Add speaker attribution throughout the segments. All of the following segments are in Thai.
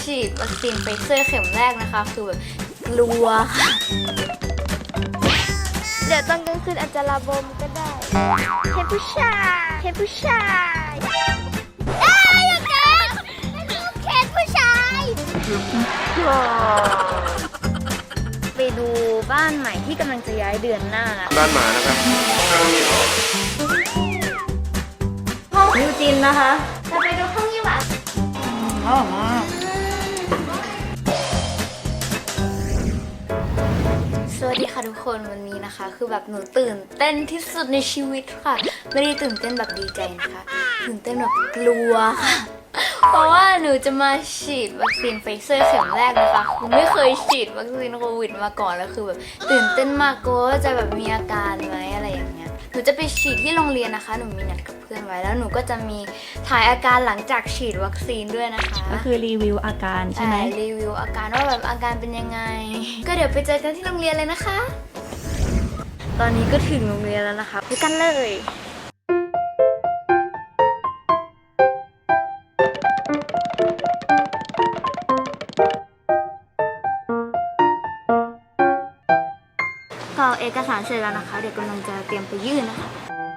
Speaker 1: ฉีดวัคซีนไฟเซอร์เข็มแรกนะคะคือแบบกลัวค่ะเดี๋ยวตอนกลางคืนอาจจะระบมก็ได้เห็นผู้ชายเห็นผู้ชายอย่าเกินเห็นผู้ชายไปดูบ้านใหม่ที่กำลังจะย้ายเดือนหน้านะ
Speaker 2: บ้านหมานะครับ
Speaker 1: ห้องยูจินนะคะจะไปดูห้องยี่หวาสวัสดีค่ะทุกคนวันนี้นะคะคือแบบหนูตื่นเต้นที่สุดในชีวิตค่ะไม่ได้ตื่นเต้นแบบดีใจนะคะตื่นเต้นแบบกลัวค่ะเพราะว่าหนูจะมาฉีดวัคซีนไฟเซอร์เข็มแรกนะคะคือไม่เคยฉีดวัคซีนโควิดมาก่อนแล้วคือแบบตื่นเต้นมากกลัวว่าจะแบบมีอาการไหมอะไรอย่างเงี้ยหนูจะไปฉีดที่โรงเรียนนะคะหนูมีนัดกับเพื่อนไว้แล้วหนูก็จะมีถ่ายอาการหลังจากฉีดวัคซีนด้วยนะคะ
Speaker 3: ก็คือรีวิวอาการใช่ไหม
Speaker 1: รีวิวอาการว่าแบบอาการเป็นยังไงก็เดี๋ยวไปเจอกันที่โรงเรียนเลยนะคะตอนนี้ก็ถึงโรงเรียนแล้วนะคะไปกันเลยกรอกเอกสารเสร็จแล้วนะคะเดี๋ยวกำลังจะเตรียมไปยื่นนะคะ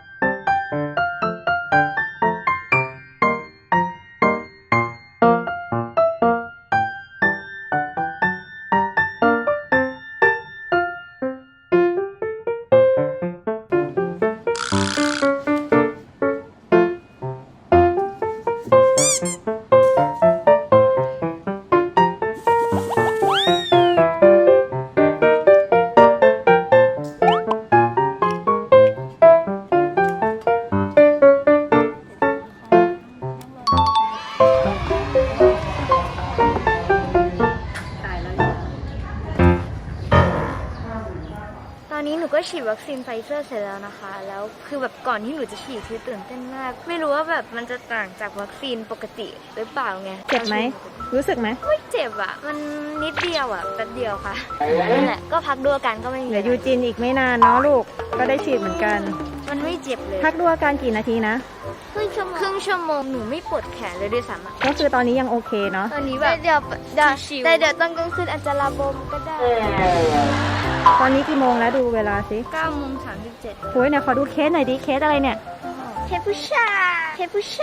Speaker 1: ตอนนี้หนูก็ฉีดวัคซีนไฟเซอร์เสร็จแล้วนะคะแล้วคือแบบก่อนที่หนูจะฉีดคือตื่นเต้นมากไม่รู้ว่าแบบมันจะต่างจากวัคซีนปกติหรือเปล่าไง
Speaker 3: เจ็บไหมรู้สึกไหม
Speaker 1: ไม่เจ็บอ่ะมันนิดเดียวอ่ะแป๊บเดียวค่ะนั่นแหละก็พักดูอาการก็ไม่มี
Speaker 3: เดี๋ยวยูจินอีกไม่นานเนาะลูกก็ได้ฉีดเหมือนกัน
Speaker 1: มันไม่เจ็บเลย
Speaker 3: พักดูอาการกี่นาทีนะ
Speaker 1: ครึ่งชั่วโมงหนูไม่ปวดแขนเลยด้วยซ้ำ
Speaker 3: ก็คือตอนนี้ยังโอเคเนาะ
Speaker 1: ตอนนี้แบบเดี๋ยวตอนกลางคืนอาจจะระบมก็ได้
Speaker 3: ตอนนี้กี่โมงแล้วดูเวลาสิ
Speaker 1: 9:37
Speaker 3: โอ้ยเนี่ยขอดูเคสหน่อยดิเคสอะไรเนี่ย
Speaker 1: เห็นผู้ชายอย่าเกินเค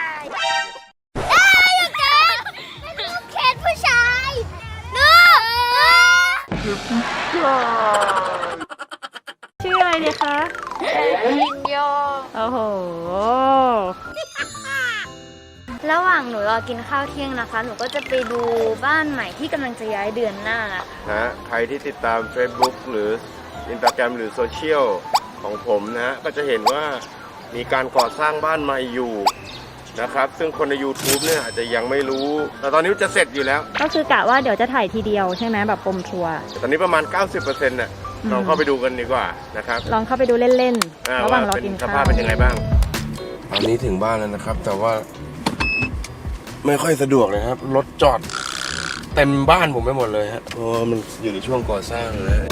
Speaker 1: สผู้ชาย
Speaker 3: ชื่ออะไรเนี่ยคะ
Speaker 1: ลินโย
Speaker 3: โอ้โห
Speaker 1: ระหว่างหนูรอกินข้าวเที่ยงนะคะหนูก็จะไปดูบ้านใหม่ที่กำลังจะย้ายเดือนหน้า
Speaker 2: ใครที่ติดตาม Facebook หรือ Instagram หรือโซเชียลของผมนะก็จะเห็นว่ามีการก่อสร้างบ้านใหม่อยู่นะครับซึ่งคนใน YouTube เนี่ยอาจจะยังไม่รู้แต่ตอนนี้จะเสร็จอยู่แล้ว
Speaker 3: ก็คือกะว่าเดี๋ยวจะถ่ายทีเดียวใช่ไหมแบบปมทัวร์
Speaker 2: ตอนนี้ประมาณ 90% น่ะลองเข้าไปดูกันดีกว่านะครับ
Speaker 3: ลองเข้าไปดูเล่นๆระหว่างรอกินข้าว
Speaker 2: สภาพเป็นยังไงบ้างตอนนี้ถึงบ้านแล้วนะครับแต่ว่าไม่ค่อยสะดวกเลยครับรถจอดเต็มบ้านผมไปหมดเลยฮะเพราะมันอยู่ในช่วงก่อสร้างเลย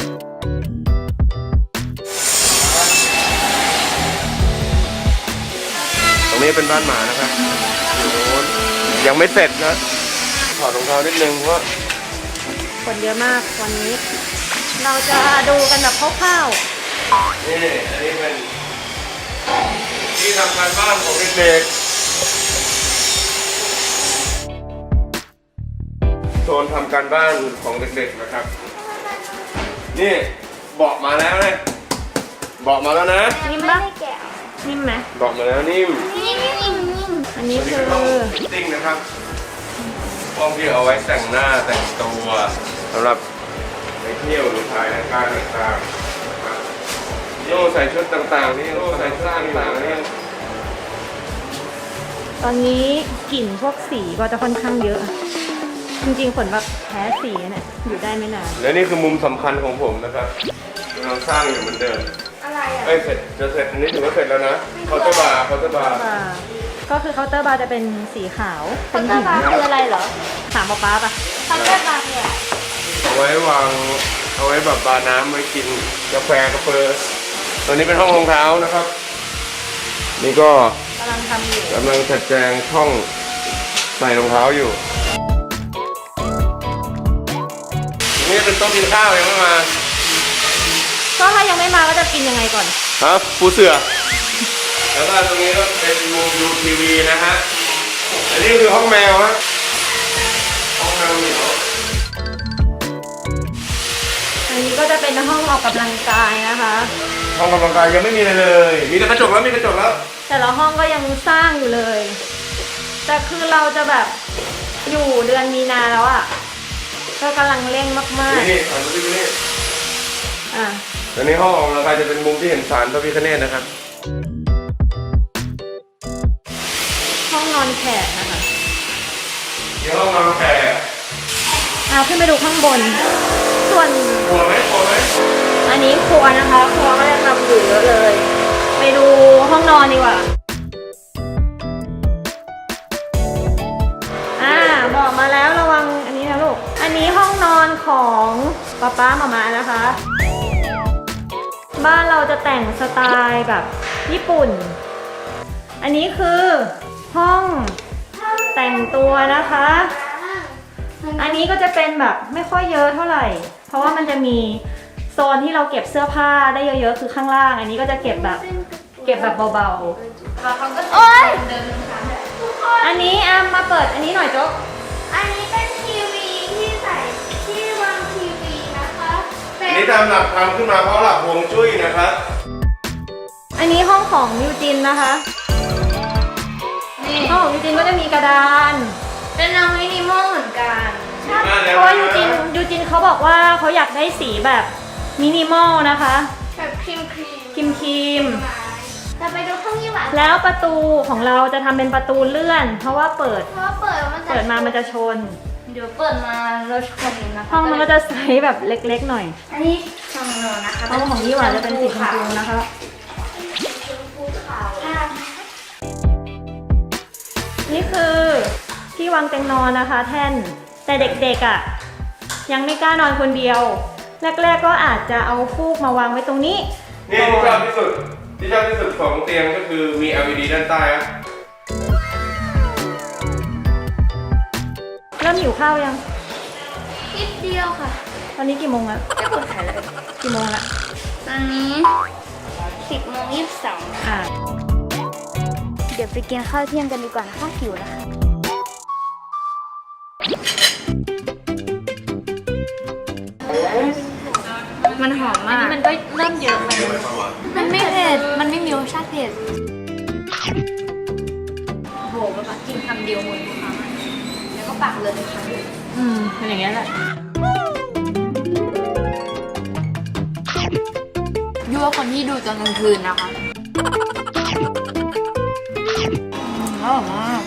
Speaker 2: ตรงนี้เป็นบ้านหมานะครับอยู่โน้นยังไม่เสร็จนะถอดรองเท้านิดนึงเพราะ
Speaker 3: คนเยอะมากวันนี้เราจะดูกันแบบคร่าว
Speaker 2: ๆนี่อันนี้เป็นที่ทำการบ้านของเด็กๆโซนทำการบ้านของเด็กๆนะครับนี่เบาะมาแล้วนะเบาะมาแล้วนะ
Speaker 3: นิ่มปะนิ่มไหม
Speaker 2: เบาะมาแล้วนิ่ม
Speaker 3: อันนี้คือ
Speaker 2: ติ้งนะครับห้องที่เอาไว้แต่งหน้าแต่งตัวสำหรับไปเที่ยวหรือถ่ายรายการต่างๆโย่ใส่ชุดต่างๆนี่โย่ใส่ชุดต่างๆนี่
Speaker 3: ตอนนี้กลิ่นพวกสีก็จะค่อนข้างเยอะจริงๆฝนแบบแพ้สีเนี่ยอยู่ได้ไม่นาน
Speaker 2: และนี่คือมุมสำคัญของผมนะครับกำลังสร้างอยู่เหมือนเดิม
Speaker 1: อะไรอ่ะ
Speaker 2: เสร็จจะเสร็จอันนี้ถือว่าเสร็จแล้วนะเคาน์เตอร์บาร์
Speaker 3: ก็คือเคาน์เตอร์บาร์จะเป็นสีขาว
Speaker 1: เคาน์เตอร์บาร์คืออะไรเหรอ
Speaker 3: ถามป๊าป่ะ
Speaker 1: เคาน์เตอร์บาร์เนี่ย
Speaker 2: เอาไว้วางเอาไว้แบบบาร์น้ำไว้กินกาแฟกาแฟตัวนี้เป็นห้องรองเท้านะครับนี่ก็
Speaker 3: กำลังทำอยู่
Speaker 2: กำลังจัดแจงช่องใส่รองเท้าอยู่นี้เป็นโต๊ะกินข้าวยังไม่มา
Speaker 3: ก็ถ้ายังไม่มาก็จะกินยังไงก่อน
Speaker 2: ครับปูเสือ แล้วก็ตรงนี้ก็เป็นมุมดูทีวีนะฮะ อันนี้คือห้องแมวฮะ ห้องแมวเหมียว
Speaker 3: อันนี้ก็จะเป็นห้องออกกำลังกายนะคะ
Speaker 2: ห้องกำลังกายยังไม่มีอะไรเลย มีแต่กระจกแล้วมีกระจกแล้ว
Speaker 3: แต่ละห้องก็ยังสร้างอยู่เลย แต่คือเราจะแบบอยู่เดือนมีนาแล้วอ่ะ ก็กำลังเร่งมาก
Speaker 2: นี่หันมาดูนี่
Speaker 3: ๆ อ่ะ
Speaker 2: อันนี้ห้องออกกำลังกายจะเป็นมุมที่เห็นศาลพระพิฆเนศนะครับ
Speaker 3: ห้องนอนแขกนะคะ
Speaker 2: นี่ห้องนอนแขก
Speaker 3: ขึ้นไปดูข้างบน ส่วน
Speaker 2: กลัวไหมกลัวไหม
Speaker 3: อันนี้ครัวนะคะ ครัวก็จะทำอยู่เยอะเลย ไปดูห้องนอนดีกว่า บอกมาแล้วระวังอันนี้นะลูก อันนี้ห้องนอนของป๊าหม่านะคะ บ้านเราจะแต่งสไตล์แบบญี่ปุ่น อันนี้คือห้องแต่งตัวนะคะ อันนี้ก็จะเป็นแบบไม่ค่อยเยอะเท่าไหร่ เพราะว่ามันจะมีโซนที่เราเก็บเสื้อผ้าได้เยอะๆคือข้างล่าง อันนี้ก็จะเก็บแบบเบาๆ
Speaker 1: โอ๊ย
Speaker 3: อันนี้มาเปิดอันนี้หน่อยโจ๊ก
Speaker 1: อันนี้เป็นทีวีที่ใส่ที่วางทีวีนะคะเป็
Speaker 2: อัน
Speaker 1: น
Speaker 2: นี้ตามหลักทำขึ้นมาเพราะหลักฮวงจุ้ยนะครับ
Speaker 3: อันนี้ห้องของยูจินนะคะ
Speaker 1: นี่
Speaker 3: ห้องของยูจินก็จะมีกระดาน
Speaker 1: เป็นแนวมินิมอลเหมือนกัน
Speaker 3: เพราะว่ายูจินเขาบอกว่าเขาอยากได้สีแบบมินิมอลนะคะ
Speaker 1: แบบครีม
Speaker 3: ครีม
Speaker 1: แต่ไปดูห้องยี่หวาน
Speaker 3: แล้วประตูของเราจะทำเป็นประตูเลื่อน เพราะว่าเปิด
Speaker 1: เพราะว่าเปิดมามันจะ
Speaker 3: ชน
Speaker 1: เดี๋ยวเปิดมาเราชนนะคะ
Speaker 3: ห้องมันก็จะใสแบบเล็กๆหน่อย
Speaker 1: อันนี้ห้องนอนนะคะ
Speaker 3: ห้องของยี่หวานจะเป็นสีชมพูนะคะ
Speaker 1: ชมพูขาว
Speaker 3: นี่คือที่วางเตียงนอนนะคะ แท่นแต่เด็กๆอ่ะยังไม่กล้านอนคนเดียว แรกๆก็อาจจะเอาฟูกมาวางไว้ตรงนี้
Speaker 2: นี่ที่ชอบที่สุดของเตียงก็คือมี LED ด้านใต้ครับ
Speaker 3: เริ่มหิวข้าวยัง
Speaker 1: นิดเดียวค่ะ
Speaker 3: ตอนนี้กี่โมงแล้ว
Speaker 1: จะกดถ่ายเลย
Speaker 3: กี่โมงละ
Speaker 1: ตอนนี้10:22
Speaker 3: อ่า
Speaker 1: เดี๋ยวไปกินข้าวเที่ยงกันดีกว่านะคะหิวนะคะ มันหอม
Speaker 3: อัน
Speaker 1: มาก
Speaker 3: นี้มันก็เริ่มเยอะไป
Speaker 1: มันไม่เผ็ด มันไม่มีรสชาติเผ็ดโอ้โหแบบกินคำเดียวหมดทุกคำอะแล้วก็ปากเลยทุกคำเลย
Speaker 3: เป็นอย่างเงี้ยแหละ
Speaker 1: ยั่วคนที่ดูตอนกลางคืนนะคะอร่อยมาก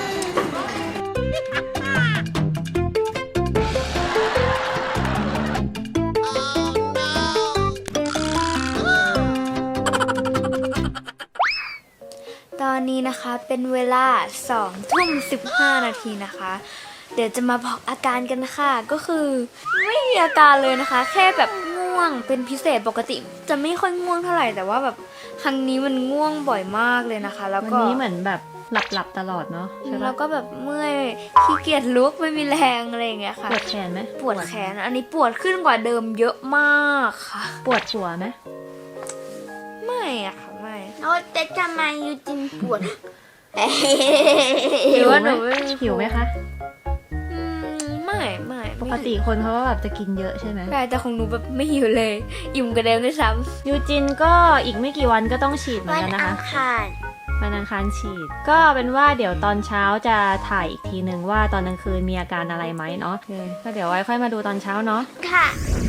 Speaker 1: ตอนนี้นะคะเป็นเวลา2:15 นาทีนะคะ เดี๋ยวจะมาบอกอาการกันค่ะก็คือไม่มีอาการเลยนะคะ แค่แบบง่วงเป็นพิเศษปกติจะไม่ค่อยง่วงเท่าไหร่แต่ว่าแบบครั้งนี้มันง่วงบ่อยมากเลยนะคะ แล้ว
Speaker 3: วัน
Speaker 1: ก็
Speaker 3: นี้เหมือนแบบหลับตลอดเนาะใช่
Speaker 1: แล้
Speaker 3: ปะ
Speaker 1: วก็แบบเมื่อยขี้เกียจลุกไม่มีแรงอะไรอย่างเงี้ยค่ะ
Speaker 3: ปวดแขนไหม
Speaker 1: ปวดแขนอันนี้ปวดขึ้นกว่าเดิมเยอะมากค่ะ
Speaker 3: ปวดหัวไหม
Speaker 1: ไม่อะค่ะไม่แล้วแต่ทำไมยูจินปวด
Speaker 3: หิวไหม
Speaker 1: ไม่
Speaker 3: หิวไหมคะ
Speaker 1: ไม่
Speaker 3: ปกติคนเขาก็แบบจะกินเยอะใช่ไหม
Speaker 1: ใช่แต่ของหนูแบบไม่หิวเลย อิ่มกระเดิมด้วยซ้
Speaker 3: ยูจินก็อีกไม่กี่วันก็ต้องฉีดเห
Speaker 1: ำ
Speaker 3: มือนกันนะคะ
Speaker 1: าร
Speaker 3: วันอังคารฉีด ก็เป็นว่าเดี๋ยวตอนเช้าจะถ่ายอีกทีหนึ่งว่าตอนกลางคืนมีอาการอะไรไหมเนาะก็เดี๋ยวไว้ค่อยมาดูตอนเช้าเนาะ
Speaker 1: ค่ะ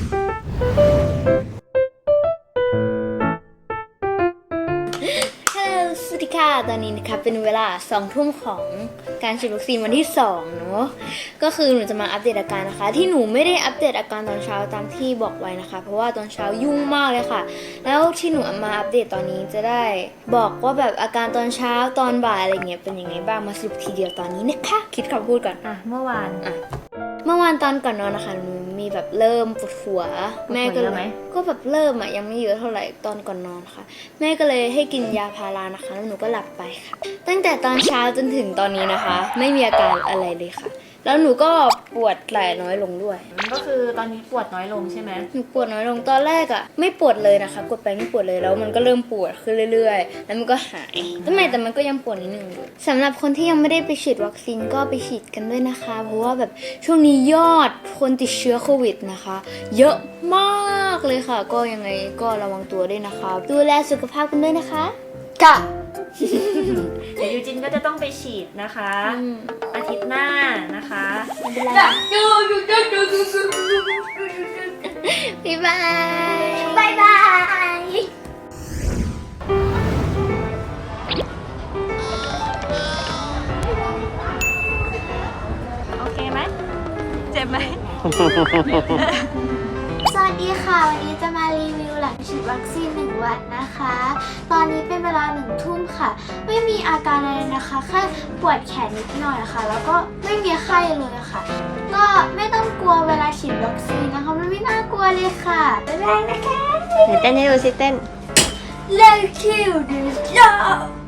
Speaker 1: สวัสดีค่ะ ตอนนี้นะคะเป็นเวลา2 ทุ่มของการฉีดวัคซีนวันที่2เนาะก็คือหนูจะมาอัปเดตอาการนะคะ ที่หนูไม่ได้อัปเดตอาการตอนเช้าตามที่บอกไว้นะคะ เพราะว่าตอนเช้ายุ่งมากเลยค่ะ แล้วที่หนูเอามาอัปเดตตอนนี้จะได้บอกว่าแบบอาการตอนเช้าตอนบ่ายอะไรเงี้ยเป็นยังไงบ้างมาสรุปทีเดียวตอนนี้นะคะคิดคำพูดก่อน
Speaker 3: เมื่อวาน
Speaker 1: เมื่อวานตอนก่อนนอนนะคะหนูมีแบบเริ่มปวดหัวแม่ก็
Speaker 3: ปวดหัวเย
Speaker 1: เล
Speaker 3: อะไหม
Speaker 1: ยก็แบบเริ่มยังไม่เยอะเท่าไหร่ตอนก่อนนอนค่ะ แม่ก็เลยให้กินยาพารานะคะแล้วหนูก็หลับไปค่ะ ตั้งแต่ตอนเช้าจนถึงตอนนี้นะคะ ไม่มีอาการอะไรเลยค่ะแล้วหนูก็ปวดไหล่น้อยลงด้วย
Speaker 3: ก็คือตอนนี้ปวดน้อยลงใช่ไหม
Speaker 1: หนูปวดน้อยลงตอนแรกอะไม่ปวดเลยนะคะกดไปไม่ปวดเลยแล้วมันก็เริ่มปวดขึ้นเรื่อยๆแล้วมันก็หายแต่มันก็ยังปวดนิดนึงอยู่สำหรับคนที่ยังไม่ได้ไปฉีดวัคซีนก็ไปฉีดกันด้วยนะคะ เพราะว่าแบบช่วงนี้ยอดคนติดเชื้อโควิดนะคะ เยอะมากเลยค่ะ ก็ยังไงก็ระวังตัวด้วยนะคะดูแลสุขภาพกันด้วยนะคะค่ะ
Speaker 3: เดี๋ยวยูจินก็จะต้องไปฉีดนะคะ อาทิตย์หน้านะคะ
Speaker 1: บ๊ายบายบ๊ายบาย
Speaker 3: โอเคไหมเจ็บไหม
Speaker 1: สวัสดีค่ะ วันนี้จะมารีวิวหลังฉีดวัคซีน1 วันนะคะ ตอนนี้เป็นเวลา1 ทุ่มค่ะ ไม่มีอาการอะไรนะคะแค่ปวดแขนนิดหน่อยค่ะ แล้วก็ไม่มีไข้เลยค่ะ ก็ไม่ต้องกลัวเวลาฉีดวัคซีนนะคะมันไม่น่ากลัวเลยค่ะบ๊ายบายนะคะ
Speaker 3: เดี๋ยวเต้นให้ดูสิเต้น
Speaker 1: Let's kill this job